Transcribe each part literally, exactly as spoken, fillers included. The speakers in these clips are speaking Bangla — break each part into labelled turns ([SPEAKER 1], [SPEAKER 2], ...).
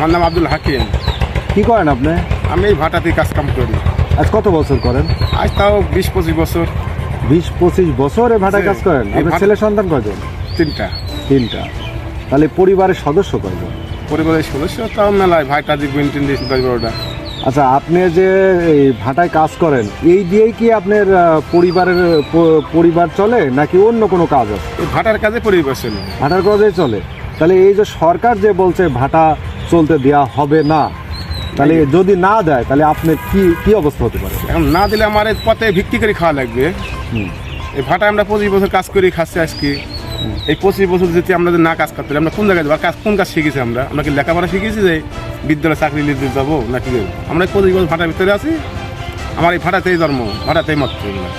[SPEAKER 1] আমার নাম আব্দুল হাকিম।
[SPEAKER 2] কি করেন আপনি?
[SPEAKER 1] আমি এই ভাটাতে কাজ কাম করি।
[SPEAKER 2] আজ কত বছর করেন?
[SPEAKER 1] আজ তাও বিশ পঁচিশ বছর।
[SPEAKER 2] বিশ পঁচিশ বছর এ ভাটায় কাজ করেন?
[SPEAKER 1] এই
[SPEAKER 2] আপনার
[SPEAKER 1] ভাটা-
[SPEAKER 2] ছেলে সন্তান কয়জন?
[SPEAKER 1] তিনটা।
[SPEAKER 2] তিনটা। তাহলে পরিবারের সদস্য কয়জন?
[SPEAKER 1] পরিবারের সদস্য তাও মেলায়, ভাইটা যে গুইন্টিন দিয়েছে দশ বারোটা।
[SPEAKER 2] আচ্ছা, আপনি যে এই ভাটায় কাজ করেন এই দিয়েই কি আপনার আহ, পরিবারের প- পরিবার চলে নাকি অন্য কোনো কাজ আছে?
[SPEAKER 1] এই ভাটার কাজে পরিবার চলে।
[SPEAKER 2] ভাটার কাজেই চলে। তাহলে এই যে সরকার যে বলছে ভাটা চলতে দেওয়া হবে না, তাহলে যদি না দেয় তাহলে আপনার কি কি অবস্থা হতে পারে?
[SPEAKER 1] এখন না দিলে আমার এই পথে ভিত্তি করে খাওয়া লাগবে।
[SPEAKER 2] হুম।
[SPEAKER 1] এই ভাটায় আমরা পঁচিশ বছর কাজ করি, খাচ্ছি আজকে। এই পঁচিশ বছর যদি আমরা যদি না কাজ করতে পারি, আমরা কোন জায়গায় যাবো? আর কাজ কোন কাজ শিখেছি আমরা? আমরা কি লেখাপড়া শিখেছি যে বিদ্যালয়ে চাকরি নিতে যাবো নাকি? আমরা এই পঁচিশ বছর ভাটার ভিতরে আছি। আমার এই ভাটাতেই জন্ম, ভাটাতেই মত।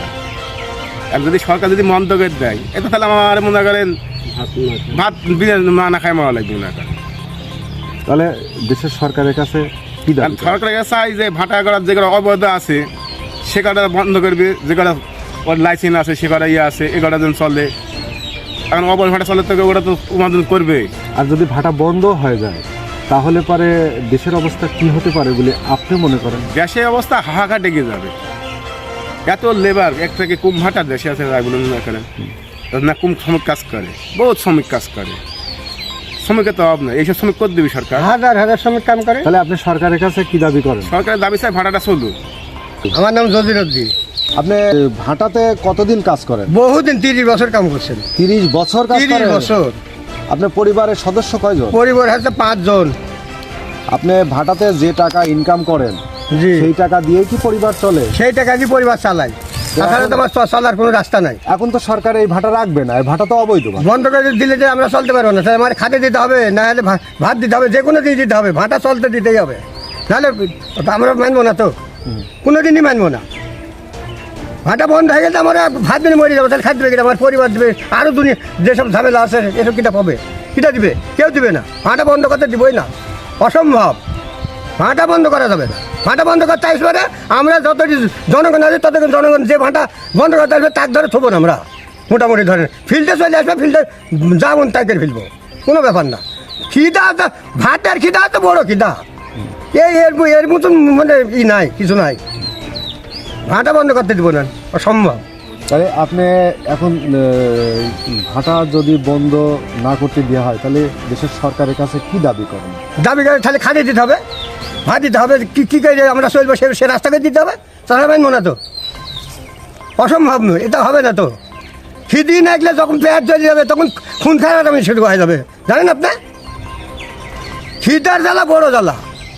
[SPEAKER 1] আর যদি সরকার যদি মন্তব্য দেয় এটা তাহলে আমার মনে করেন ভাত বিনা না না খাই মারা লাগবে না।
[SPEAKER 2] তাহলে দেশের সরকারের কাছে কি দাবি করেন?
[SPEAKER 1] সরকারের কাছে চাই যে ভাটা করার যে কটা অবৈধ আছে সে কটা বন্ধ করবে, যে কটা ওর লাইসেন্স আছে সে কটা ইয়ে আছে এ কটা যেন চলে। এখন অবৈধ ভাটা চলে তো ওটা তো উপার্জন করবে।
[SPEAKER 2] আর যদি ভাটা বন্ধ হয়ে যায় তাহলে পরে দেশের অবস্থা কি হতে পারে বলে আপনি মনে করেন?
[SPEAKER 1] গ্যাসের অবস্থা হাহাকার ডেকে যাবে। এত লেবার এক থেকে কুম ভাটা দেশে আছে বলে মনে করেন না, কুম শ্রমিক কাজ করে, বহুত শ্রমিক কাজ করে। শ্রমিকের তো অভাব নাই, এইসব শ্রমিক করে দেবে সরকার।
[SPEAKER 3] হাজার হাজার শ্রমিক কাম করে।
[SPEAKER 2] তাহলে আপনি সরকারের কাছে কি দাবি করেন?
[SPEAKER 1] সরকারের দাবি চাই ভাটাটা চলুক।
[SPEAKER 3] আমার নাম জজিরুদ্দিন।
[SPEAKER 2] আপনি ভাটাতে কতদিন কাজ করেন?
[SPEAKER 3] বহুদিন তিরিশ বছর কাম করছেন।
[SPEAKER 2] তিরিশ বছর কাজ
[SPEAKER 3] তিরিশ
[SPEAKER 2] করেন?
[SPEAKER 3] বছর।
[SPEAKER 2] আপনার পরিবারের সদস্য কয়জন?
[SPEAKER 3] পরিবার হচ্ছে পাঁচজন।
[SPEAKER 2] আপনি ভাটাতে যে টাকা ইনকাম করেন
[SPEAKER 3] জি,
[SPEAKER 2] সেই টাকা দিয়ে কি পরিবার চলে?
[SPEAKER 3] সেই টাকা দিয়ে পরিবার চালাই। তাছাড়া তোমার চলার কোনো রাস্তা নাই।
[SPEAKER 2] এখন তো সরকার এই ভাটা রাখবে না, এই ভাটা তো অবৈধ ভাটা।
[SPEAKER 3] বন্ধ করে দিলে যে আমরা চলতে পারবো না, তাহলে আমার খাতে দিতে হবে, না হলে ভা- ভাত দিতে হবে, যে কোনো দিন দিতে হবে, ভাটা চলতে দিতেই হবে। নাহলে আমরা মানবো না তো, কোনো দিনই মানবো না। ভাটা বন্ধ হয়ে গেলে আমরা ভাত দিনে মরে যাবো, তাহলে খাদ্য দেবে আমার পরিবার দেবে, আরও দুনিয়া যেসব ঝামেলা আছে এসব কিটা পাবে, কিটা দিবে? কেউ দিবে না। ভাটা বন্ধ করতে দিবই না, অসম্ভব। ভাটা বন্ধ করা যাবে না। ভাটা বন্ধ করতে আসবে না, আমরা যত জনগণ আছে ততক্ষণ জনগণ যে ভাটা বন্ধ করতে আসবে তার ধরে থবো না আমরা, মোটামুটি ধরেন ফিল্ডে চলে আসবে, ফিল্ডে যাবন তাকে ফেলবো, কোনো ব্যাপার না। খিদা তো ভাতের খিদা তো বড় খিদা, এই এর এর মতন মানে ই নাই, কিছু নাই। ভাটা বন্ধ করতে দিব না, অসম্ভব।
[SPEAKER 2] তাহলে আপনি এখন আহ, ভাটা যদি বন্ধ না করতে দেওয়া হয় তাহলে দেশের সরকারের কাছে কি দাবি করেন?
[SPEAKER 3] দাবি করে তাহলে খালি দিতে হবে, ভাত দিতে হবে, কী কী করে আমরা চলবো সে সে রাস্তাকে দিতে হবে, তাহলে মানবো না তো, অসম্ভব নয়, এটা হবে না তো। খিদি না গেলে যখন পেট চলে যাবে তখন খুন খাওয়ার আমি শুরু হয়ে যাবে, জানেন আপনি? খিদার জ্বালা বড় জ্বালা,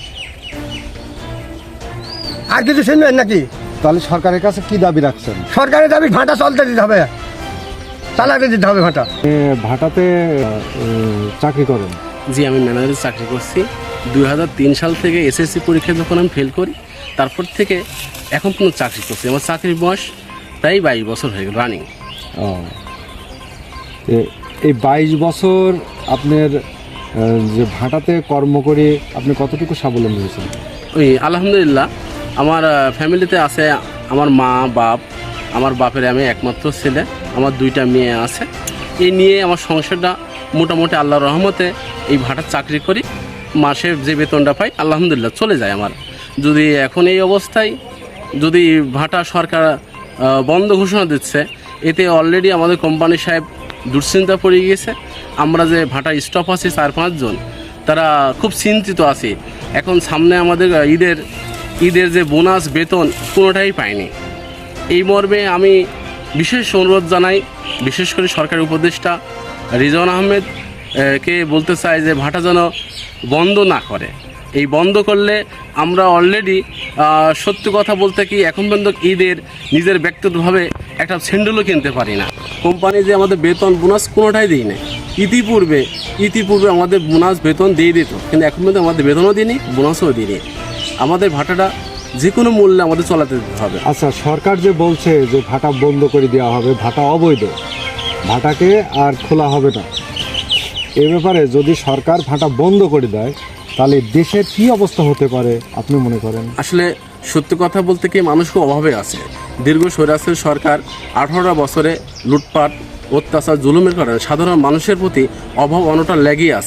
[SPEAKER 3] আর কিছু শুনবেন নাকি?
[SPEAKER 2] তাহলে সরকারের কাছে কি দাবি রাখছেন?
[SPEAKER 3] সরকারের দাবি ভাটা চলতে দিতে হবে, চালাতে দিতে হবে ভাটা।
[SPEAKER 2] এ, ভাটাতে আহ, চাকরি করেন?
[SPEAKER 4] জি, আমি ম্যানেজারের চাকরি করছি। দুই হাজার তিন সাল থেকে এসএসসি পরীক্ষায় যখন আমি ফেল করি তারপর থেকে এখন কোনো চাকরি করছি। আমার চাকরির বয়স প্রায় বাইশ বছর হয়ে গেল রানিং।
[SPEAKER 2] ও, এ- এই বাইশ বছর আপনার আহ, যে ভাটাতে কর্ম করে আপনি কতটুকু স্বাবলম্বী হয়েছেন?
[SPEAKER 4] ওই আলহামদুলিল্লাহ, আমার ফ্যামিলিতে আছে আমার মা বাপ, আমার বাপের আমি একমাত্র ছেলে, আমার দুইটা মেয়ে আছে। এই নিয়ে আমার সংসারটা মোটামুটি আল্লাহর রহমতে এই ভাটার চাকরি করি, মাসে যে বেতনটা পাই আলহামদুলিল্লাহ চলে যায় আমার। যদি এখন এই অবস্থায় যদি ভাটা সরকার আহ, বন্ধ ঘোষণা দিচ্ছে, এতে অলরেডি আমাদের কোম্পানি সাহেব দুশ্চিন্তা পড়ে গিয়েছে। আমরা যে ভাটা স্টাফ আছি চার পাঁচজন, তারা খুব চিন্তিত আছে। এখন সামনে আমাদের ঈদের ঈদের যে বোনাস বেতন কোনোটাই পাইনি। এই মর্মে আমি বিশেষ অনুরোধ জানাই, বিশেষ করে সরকারি উপদেষ্টা রিজওয়ান আহমেদ আহ, কে বলতে চাই যে ভাটা যেন বন্ধ না করে। এই বন্ধ করলে আমরা অলরেডি সত্যি কথা বলতে কি এখন পর্যন্ত ঈদের নিজের ব্যক্তিগতভাবে একটা স্যান্ডেলও কিনতে পারি না। কোম্পানি যে আমাদের বেতন বোনাস কোনোটাই দিই না। ইতিপূর্বে ইতিপূর্বে আমাদের বোনাস বেতন দিয়ে দিত, কিন্তু এখন পর্যন্ত আমাদের বেতনও দিইনি, বোনাসও দিইনি। আমাদের ভাটাটা যে কোনো মূল্যে আমাদের চলাতে দিতে হবে।
[SPEAKER 2] আচ্ছা, সরকার যে বলছে যে ভাটা বন্ধ করে দেওয়া হবে, ভাটা অবৈধ, ভাটাকে আর খোলা হবে না, এ ব্যাপারে যদি সরকার ভাটা বন্ধ করে দেয় তাহলে দেশের কি অবস্থা হতে পারে আপনি মনে করেন?
[SPEAKER 4] আসলে সত্যি কথা বলতে কি মানুষ খুব অভাবে আছে। দীর্ঘ স্বৈরাচারী সরকার আঠারোটা বছরে লুটপাট অত্যাচার জুলুমের কারণে সাধারণ মানুষের প্রতি অভাব অনটন লেগেই আছে।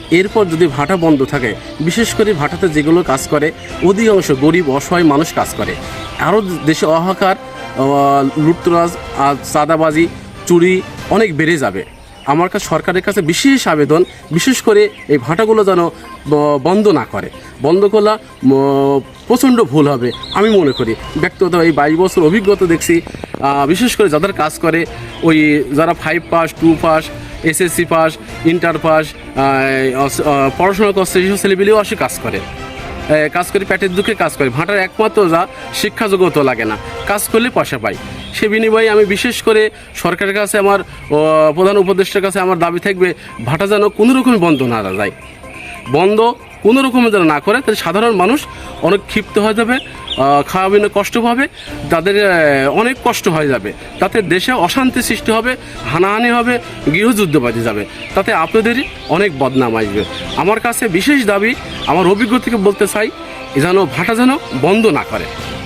[SPEAKER 4] এরপর যদি ভাটা বন্ধ থাকে, বিশেষ করে ভাটাতে যেগুলো কাজ করে অধিকাংশ গরিব অসহায় মানুষ কাজ করে। আরও দেশে অহাকার, লুটতরাজ আর চাঁদাবাজি, চুরি অনেক বেড়ে যাবে। আমার কাছে সরকারের কাছে বিশেষ আবেদন, বিশেষ করে এই ভাটাগুলো যেন বন্ধ না করে। বন্ধ করলে প্রচণ্ড ভুল হবে আমি মনে করি। ব্যক্তিগত এই বাইশ বছর অভিজ্ঞতা দেখছি, বিশেষ করে যাদের কাজ করে ওই যারা five pass, two pass, SSC pass, inter pass, পড়াশোনা করছে সেসব ছেলেপিলেও আসে কাজ করে, কাজ করে পেটের দুঃখে কাজ করে। ভাটার একমাত্র যা শিক্ষাযোগ্যতা লাগে না, কাজ করলে পয়সা পাই। সে বিনিময়ে আমি বিশেষ করে সরকারের কাছে, আমার প্রধান উপদেষ্টার কাছে আমার দাবি থাকবে, ভাটা যেন কোনো রকমই বন্ধ না যায়। বন্ধ কোনো রকমের যেন না করে, তাহলে সাধারণ মানুষ অনেক ক্ষিপ্ত হয়ে যাবে, খাওয়া বিনা কষ্ট পাবে, তাদের অনেক কষ্ট হয়ে যাবে। তাতে দেশে অশান্তি সৃষ্টি হবে, হানাহানি হবে, গৃহযুদ্ধ বাজে যাবে, তাতে আপনাদেরই অনেক বদনাম আসবে। আমার কাছে বিশেষ দাবি, আমার অভিজ্ঞতা থেকে বলতে চাই, যেন ভাটা যেন বন্ধ না করে।